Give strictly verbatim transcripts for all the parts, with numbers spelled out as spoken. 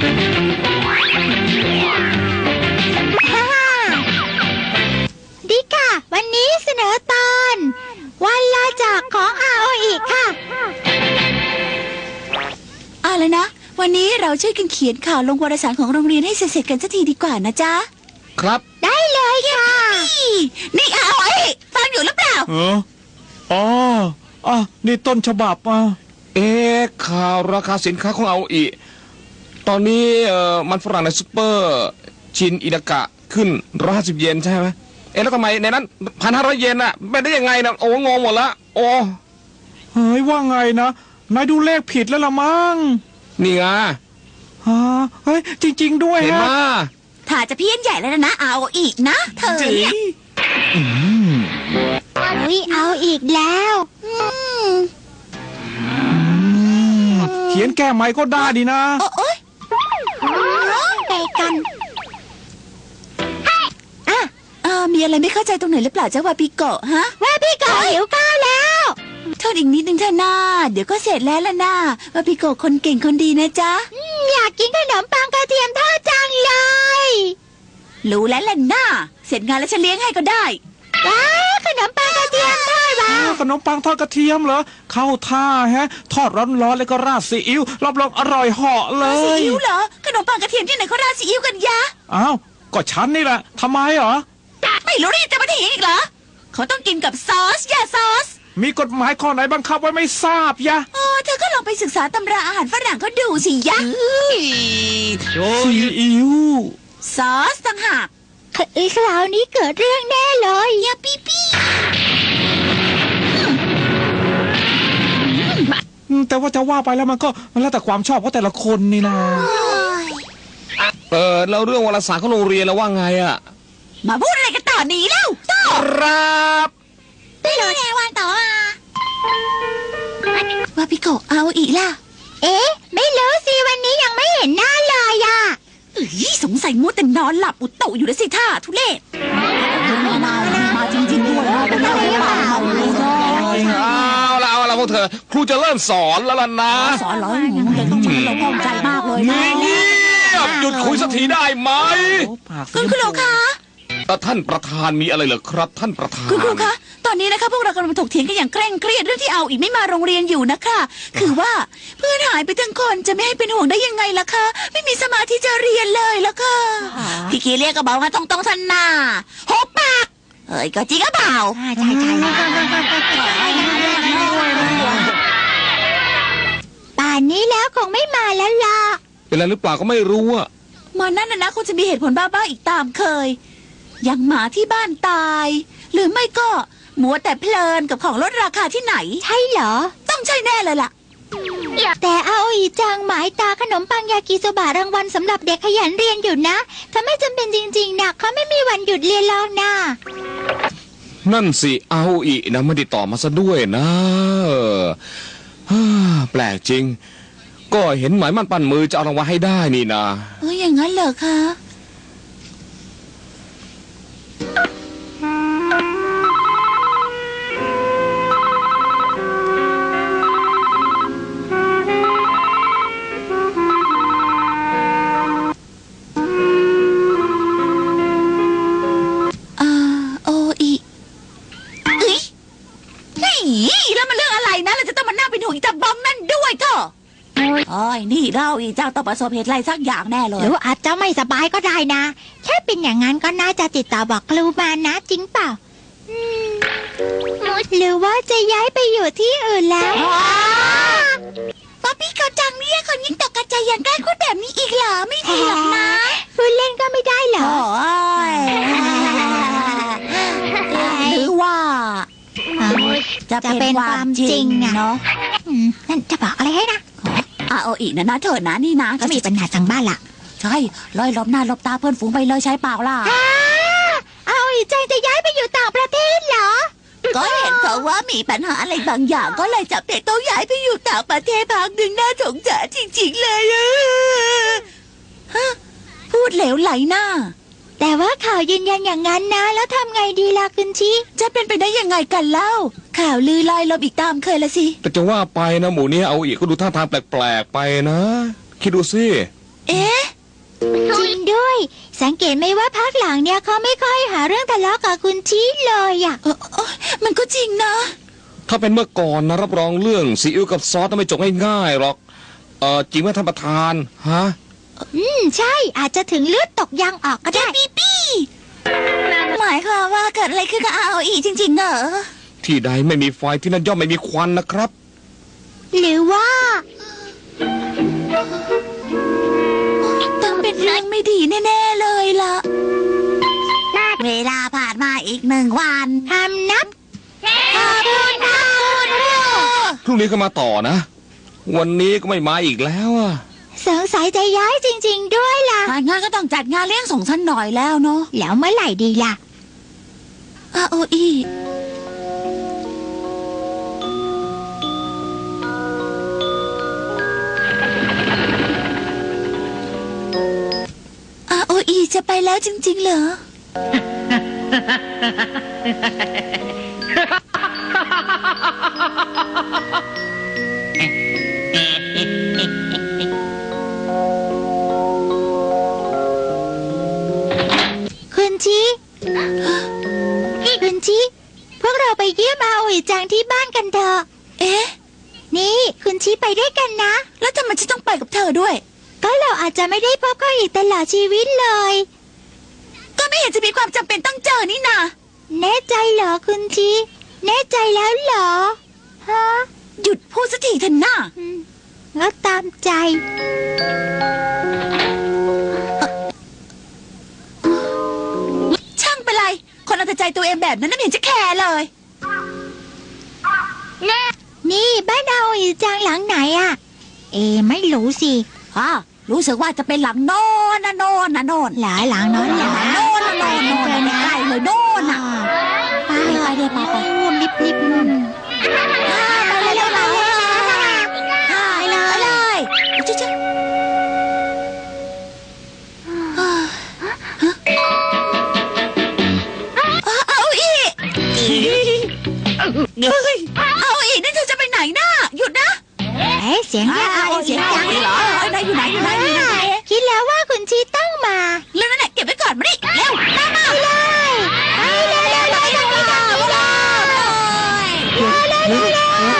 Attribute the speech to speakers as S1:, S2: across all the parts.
S1: ดีค่ะวันนี้เสนอตอนวันลาจากของอาโออิค่ะ
S2: เอาละนะวันนี้เราช่วยกันเขียนข่าวลงวารสารของโรงเรียนให้เสร็จๆกันสักทีดีกว่านะจ๊ะ
S3: ครับ
S1: ได้เลยค่ะ
S2: นี่อาโออิฟังอยู่หรือเปล่า
S4: เอออ๋ออ่ะนี่ต้นฉบับอ่ะ
S3: เอ๊ะข่าวราคาสินค้าของเอาอีตอนนี้เอ่อมันฝรั่งในซุปเปอร์ชินอิดากะขึ้นร้อยห้าสิบเยนใช่ไหมเอ๊ะแล้วทำไมในนั้นพันห้าร้อยเยนอะเป็นได้ยังไงนะโอ้งงหมดละโอ้
S4: เฮ้ยว่าไงนะนายดูเลขผิดแล้วละมั้ง
S3: นี่ไง
S4: ฮะเฮ้ยจริงๆด้วย
S3: เห็นมา
S2: ถ้าจะเพี้ยนใหญ่แล้วนะเอาอีกนะเธอเนี่ย
S1: อุ้ยเอาอีกแล้ว
S4: เขียนแก้ใหม่ก็ได้ดีนะ
S2: โอ๊ย
S1: ไปกัน
S2: อ่ะเออมีอะไรไม่เข้าใจตรงไหนหรือเปล่าเจ้าวาปิโกะฮะ
S1: ว่าพี่โกหิวข้าวแล้ว
S2: โทษอีกนิดนึงเถอะนะเดี๋ยวก็เสร็จแล้วล่ะนะวาปิโกะคนเก่งคนดีนะจ๊ะ
S1: อยากกินขนมปังกระเทียมทอดจังเลย
S2: รู้แล้วล่ะนะเสร็จงานแล้วฉันเลี้ยงให้ก็ได้
S1: ว้าขนมปังกระเทียมทอดว้า
S4: ขนมปังทอดกระเทียมเหรอเข้าท่าฮะทอดร้อนๆแล้วก็ราดซีอิ๊วรับรองอร่อยเหาะเลย
S2: ซีอิ๊วเหรอขนมปังกระเทียมที่ไหนเขาราดซีอิ๊วกันยะ
S4: อ้าวก็ฉันนี่แหละทำไมเหรอ
S2: ไม่รู้นี่จะมาถีอีกเหรอเขาต้องกินกับซอสยาซอส
S4: มีกฎหมายข้อไหนบังคับไว้ไม่ทราบยะ
S2: อ๋อเธอก็ลองไปศึกษาตำราอาหารฝรั่งก็ดูสิยะ
S4: ซีอิ๊ว
S2: ซอสต่างหาก
S1: อีคราวนี้เกิดเรื่องแน่เลย
S2: ยาปี้ปี้
S4: แต่ว่าจะว่าไปแล้วมันก็มันแล้วแต่ความชอบของแต่ละคนนี่นะ
S3: เออแล้วเรื่องวารสารของโรงเรียนแล้วว่าไงอะ
S2: มาพูดอะไรกันต่อหนีแล้วต่อ
S3: ครับ
S2: ไม่รู้ไงวันต่ออ่ะว่าพี่โกเอาอีกล่ะ
S1: เอ๊ะไม่รู้สิวันนี้ยังไม่เห็นหน้าเลยอ่ะ
S2: เอ้ยสงสัยมัวแต่นอนหลับอุตโตอยู่แล้วสิท่าทุเรศมามาจริงๆด้วยนะเป็นอะไรเปล่า
S3: เอาละเอาละพวกเธอครูจะเริ่มสอนแล้วล่ะนะ
S2: สอนเหรอยังต้องช่วยเราพองใจมากเลยนะ
S3: เงียบหยุดคุยสักทีได้ไหม
S2: คุณครูคะ
S3: ท่านประธานมีอะไรเหรอครับท่านประธาน
S2: คุณครูคะตอนนี้นะคะพวกเรากำลังถกเถียงกันอย่างเคร่งเครียดเรื่องที่เอาอีกไม่มาโรงเรียนอยู่นะคะคือว่าเพื่อนหายไปทั้งคนจะไม่ให้เป็นห่วงได้ยังไงล่ะคะไม่มีสมาธิจะเรียนเลยล่ะค่ะพี่คีเรียกก็บอกว่าต้องต้องทันหน้าหกปากเฮ้ยก็จริงก็เปล่า
S1: ใช่ใช่ใช่ป่านนี้แล้วคงไม่มาแล้วล่ะ
S3: เป็นอะไรหรือเปล่าก็ไม่รู้อะ
S2: มานั่นนะนะคงจะมีเหตุผลบ้าๆอีกตามเคยอย่างหมาที่บ้านตายหรือไม่ก็มัวแต่เพลินกับของลดราคาที่ไหน
S1: ใช่เหรอ
S2: ต้องใช่แน่เลยล่ะ
S1: แต่อาโออิจังหมายตาขนมปังยากิโซบะรางวัลสำหรับเด็กขยันเรียนอยู่นะถ้าไม่จำเป็นจริงๆนะเขาไม่มีวันหยุดเรียนแล้วนะ
S3: นั่นสิเอาอีนะไม่ได้ตอบมาซะด้วยนะแปลกจริงก็เห็นหมายมั่นปั้นมือจะเอารางวัลให้ได้นี่นะ
S2: เอออย่างนั้นเหรอคะโอ้ยนี่เราอีเจ้าต้องประสบเหตุอะไรสักอย่างแน่เลย
S1: หรืออาจจะไม่สบายก็ได้นะแค่เป็นอย่างนั้นก็น่าจะติดต่อบอกครูมานะจริงเปล่าหรือว่าจะย้ายไปอยู่ที่อื่นแล้ว
S2: ป๊อปปี้เขาจังเนี่ยคนยิ่งตกกระจายอย่างใกล้คุณแบบนี้อีกเหรอไม่ดีหรอกนะ
S1: พูดเล่นก็ไม่ได้เหรอ
S2: หรือว่า
S1: จะเป็นความจริงเนาะนั่นจะบอกอะไรให้นะ
S2: อาโออีนะนะเถิดนะนี่นะ
S1: ก็มีปัญหาทางบ้านล่ะ
S2: ใช่ลอยลบหน้าลบตาเพื่อนฝูงไปเลยใช้เปล่าล่ะ
S1: อาโออีจังจะย้ายไปอยู่ต่างประเทศเหรอ
S2: ก็เห็นเขาว่ามีปัญหาอะไรบางอย่างก็เลยจับเด็กต้องย้ายไปอยู่ต่างประเทศพักหนึ่งน่าสงสารจริงๆเลยฮะพูดเหลวไหลหน้า
S1: แต่ว่าข่าวยืนยันอย่างนั้นนะแล้วทำไงดีล่ะคุณชิ
S2: จะเป็นไปได้ยังไงกันเล่าข่าวลือลอยลมอีกตามเคยละสิ
S3: แต่จะว่าไปนะหมูนี้เอาอีกก็ดูท่าทางแปลกๆไปนะคิดดูสิ
S2: เอ๊ะ
S1: จริงด้วย สังเกตไหมว่าพักหลังเนี่ยเขาไม่ค่อยหาเรื่องทะเลาะกับคุณชี้เลยอ่ะ
S2: เออเออมันก็จริงนะ
S3: ถ้าเป็นเมื่อก่อนนะรับรองเรื่องซีอิ๊วกับซอสต้องไม่จบง่ายๆหรอกเออจริงไหมท่านประธานฮะ
S1: อืมใช่อาจจะถึงเลือดตกยางออกก็ได้
S2: ปีปี้หมายความว่าเกิดอะไรขึ้นกับอาโออีจริงๆเหรอ
S3: ที่ใดไม่มีไฟที่นั่นย่อมไม่มีควันนะครับ
S1: หรือว่า
S2: ต้องเป็นเรื่องไม่ดีแน่ๆเลยล่ะ เวลาผ่านมาอีกหนึ่งวัน
S1: ทำนับขอบคุณค่ะคุณครู
S3: พรุ่งนี้ก็มาต่อนะ วันนี้ก็ไม่มาอีกแล้วอะ
S1: สงสัยจะย้ายจริง ๆ ด้วยล่ะ
S2: ถ้างั้นก็ต้องจัดงานเลี้ยงส่งฉันหน่อยแล้วเนาะ
S1: แล้วเมื่อไหร่ดีล่ะ
S2: อาโออีอาโออีจะไปแล้วจริง ๆ เหรอ
S1: คุณชีคุณชีพวกเราไปเยี่ยมอาโออิจังที่บ้านกันเถอะ
S2: เอ๊ะ
S1: นี่คุณชีไปด้วยกันนะ
S2: แล้วทำไมฉันต้องไปกับเธอด้วย
S1: ก็เราอาจจะไม่ได้พบเขาอีกตลอดชีวิตเลย
S2: ก็ไม่เห็นจะมีความจำเป็นต้องเจอนี่นา
S1: แน่ใจเหรอคุณชีแน่ใจแล้วเหรอ ฮะ
S2: หยุดพูดสักทีเถอะน่า
S1: อืมงั้นตามใจ
S2: ช่างเป็นไร คนเอาแต่ใจตัวเองแบบนั้นน่ะไม่เห็นจะแคร์เลย
S1: นี่บ้านอาโออิจังหลังไหนอะเอไม่รู้สิ
S2: ฮะ รู้สึกว่าจะเป็นหลังโน่นนะโน่นนะโน่น
S1: หลายหลังนั้น
S2: ห
S1: เหร
S2: ลั
S1: อง
S2: โน่นนะโน่นโน่นนะใกล้เลยโน่นน่ะ
S1: ไปไปเดี๋ยวไปไปรีบรีบอืม
S2: ไปเลยไปเลยไปเลยจิ๊จิ๊เอาอีกเอาอีกนี่เธอจะไปไหนน่ะหยุดนะ
S1: เอ๊ะเสียงเรียกอาโออิ
S2: เสียง
S1: จั
S2: ดั
S1: ง
S2: งเหรอไหนอยู่ไหนอยู่ไหนอยู่ไหน
S1: คิดแล้วว่าคุณชีต้องมา
S2: แล้วนั่นแหละเก็บไว้ก่อนมาดิเร็วมามา
S1: ไปเลยไปเลยไปเลยไปเลยไปเลย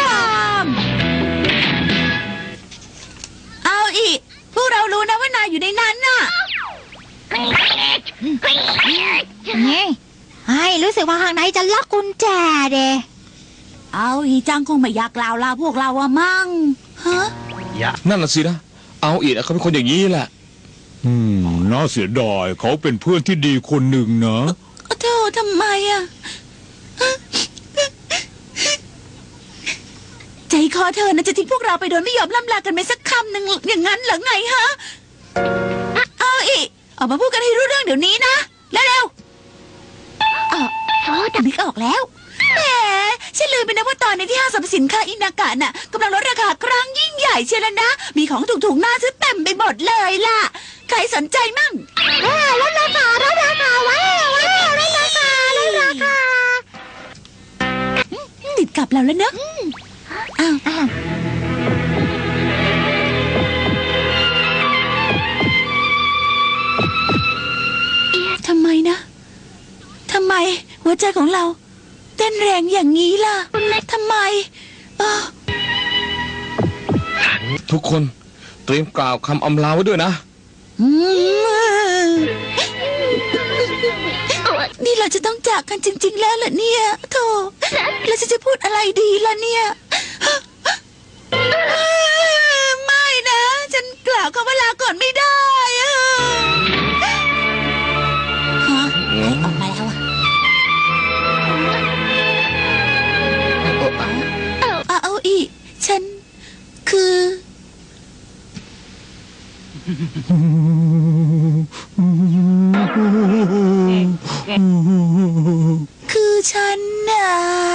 S2: เอาอีกพวกเรารู้นะว่านายอยู่ในนั้นน่ะ
S1: นี่ไอ้รู้สึกว่าข้างในจะล็อกกุญแจเด
S2: เอาอีจังคงไม่อยากกล่าวลาพวกเราอะมั่งฮะ
S3: นั่นน่ะสินะ เอาอีกเขาเป็นคนอย่างนี้แหละ
S4: อืมน่าเสียดายเขาเป็นเพื่อนที่ดีคนหนึ่งนะ
S2: เธอทำไมอะใจคอเธอนะจะทิ้งพวกเราไปโดยไม่ยอมล่ำลากันไปสักคำหนึ่งอย่างนั้นเหรอไงฮะเอาอีกออกมาพูดกันให้รู้เรื่องเดี๋ยวนี้นะเร็วๆอ๋อนึกออกแล้วแหมฉันลืมไปนะว่าตอนในที่ห้างสรรพสินค้าอินากะน่ะกำลังลดราคาครั้งยิ่งใหญ่เชียวแล้วนะ มีของถูกๆน่าซื้อเต็มไปหมดเลยล่ะ ใครสนใจมั่ง
S1: ลดราคาลดราคาว้าวว้าวลดราคาลดราคา
S2: ติดกับเราแล้วเนอะอ้าว
S1: อ่ะ
S2: ทำไมนะทำไมหัวใจของเรา เต้นแรงอย่างนี้ล่ะทำไมเออ
S3: ทุกคนเตรียมกล่าวคำอำลาไว้ด้วยนะ
S2: อืมนี่เราจะต้องจากกันจริง ๆ แล้วเหรอเนี่ยโธ่แล้วฉันจะพูดอะไรดีล่ะเนี่ยไม่นะ ฉันกล่าวคำว่าลาก่อนไม่ได้อะฮะเฮ้ยออกมาแล้วอะเอาเอาอีกฉันคือ คือฉันน่ะ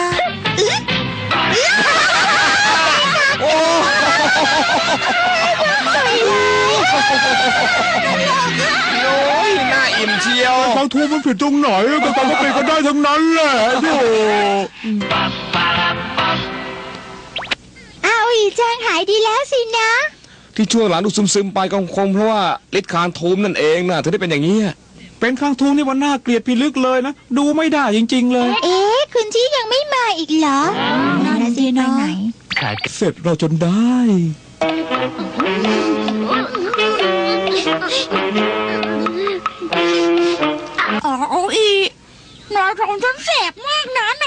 S3: โอ้ยน่าอิ่มเชียว
S4: ฟังทูมันผิดตรงไหนก็ตามมาเป็นกันได้ทั้งนั้นแหละโธ่
S1: อาโออิจังหายดีแล้วสินะ
S3: ที่ช่วงหลังดูซึมๆไปก็คงเพราะว่าฤทธิ์คานทูมนั่นเองนะถึงได้เป็นอย่างนี้
S4: เป็นข้างทูนี่มันน่าเกลียดพิลึกเลยนะ ดูไม่ได้จริง ๆ เลย
S1: เอ๊ะคุณชี่ยังไม่มาอีกเหรอนั่นสิไปไหน
S4: เสร็จเราจนได้
S2: อ๋อเอาอีกนายทองฉันแสบมากนะ